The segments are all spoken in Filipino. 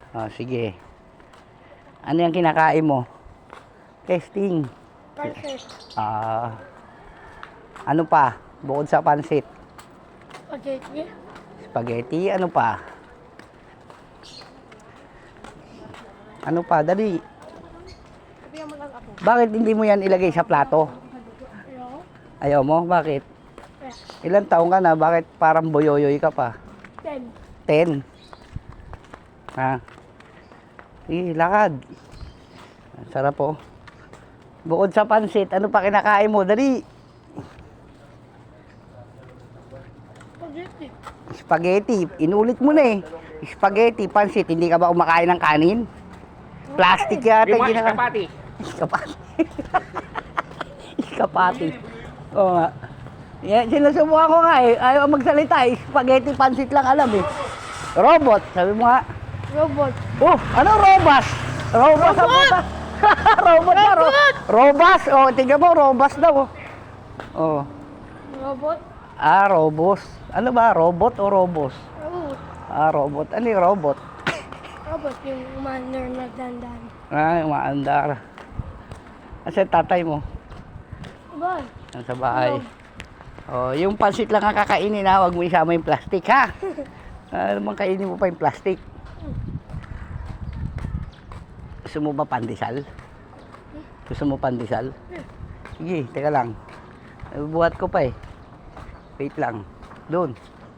Oh, sige. Ano yung kinakain mo? Testing. Pansit. Ano pa? Bukod sa pansit. Spaghetti. Spaghetti, ano pa? Ano pa? Dali. Sabihan mo lang ako. Bakit hindi mo yan ilagay sa plato? Hello? Ayaw mo? Bakit? Yes. Ilang taong ka na? Bakit parang boyoyoy ka pa? 10. 10. Ha? Sige, lakad. Ang sarap po. Bukod sa pansit, ano pa kinakain mo? Dali. Spaghetti. Spaghetti. Inulit mo na eh. Spaghetti, pansit. Hindi ka ba kumakain ng kanin? Plastic yata. Yung mga ginaka- kapati. Iskapati. Iskapati. Oo nga. Yan, sinusubukan ko nga eh. Ayaw magsalita eh. Spaghetti, pansit lang alam eh. Robot. Sabi mo nga. Robot. Oh, ano robas? Robas ang puta. Robot na, robas. Oh, tingnan mo, robas daw. Oh. Robot. Robos. Ano ba, robot o robos? Robot. Robot. Ano yung robot? Robot yung umaandar na dandan. Umaandar. Kasi tatay mo, Bye. nasa bahay. Oh, yung pansit lang ang kakainin ha, huwag mo isama yung plastic ha. Ano bang kainin mo pa yung plastic? Gusto mo ba pandesal? Gusto mo pandesal? Sige, teka lang. Buhat ko pa eh. Wait lang. Doon.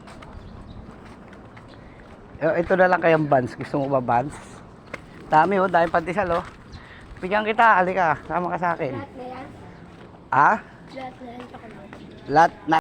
Ito na lang kayang buns. Gusto mo ba buns? Dami oh, dahil pandesal oh. Bigyan kita, halika. Sama ka sa akin. Lahat na yan. Ah? Lahat na yan. Chocolate. Lahat na